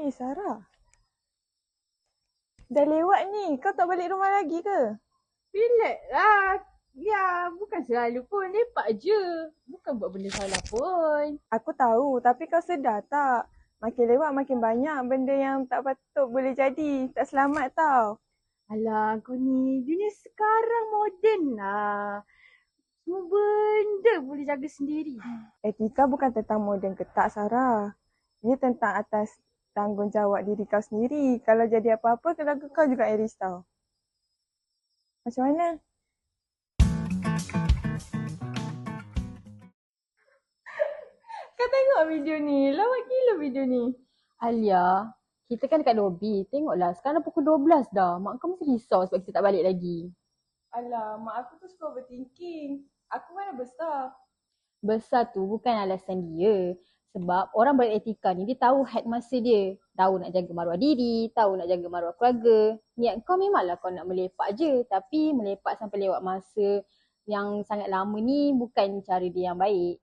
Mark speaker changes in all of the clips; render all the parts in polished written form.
Speaker 1: Sarah. Dah lewat ni. Kau tak balik rumah lagi ke?
Speaker 2: Relax lah. Ya, bukan selalu pun. Lepak je. Bukan buat benda salah pun.
Speaker 1: Aku tahu, tapi kau sedar tak? Makin lewat makin banyak benda yang tak patut boleh jadi. Tak selamat tau.
Speaker 2: Alah, kau ni. Dunia sekarang moden lah. Semua benda boleh jaga sendiri.
Speaker 1: Etika bukan tentang moden ke tak, Sarah. Ia tentang atas tanggungjawab diri kau sendiri. Kalau jadi apa-apa, keluarga kau juga yang risau. Macam mana? Kau tengok video ni. Lawak gila video ni.
Speaker 2: Alia, kita kan dekat lobi. Tengoklah, sekarang dah pukul 12 dah. Mak kau mesti risau sebab kita tak balik lagi.
Speaker 1: Alah, mak aku tu suka overthinking. Aku mana besar.
Speaker 2: Besar tu bukan alasan dia. Sebab orang beretika ni, dia tahu had masa dia. Tahu nak jaga maruah diri, tahu nak jaga maruah keluarga. Niat kau memanglah kau nak melepak je. Tapi melepak sampai lewat masa yang sangat lama ni bukan cara dia yang baik.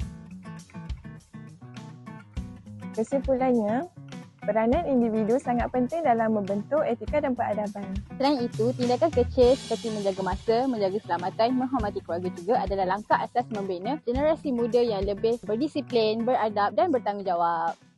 Speaker 1: Kesimpulannya, peranan individu sangat penting dalam membentuk etika dan peradaban.
Speaker 2: Selain itu, tindakan kecil seperti menjaga masa, menjaga keselamatan, menghormati keluarga juga adalah langkah asas membina generasi muda yang lebih berdisiplin, beradab dan bertanggungjawab.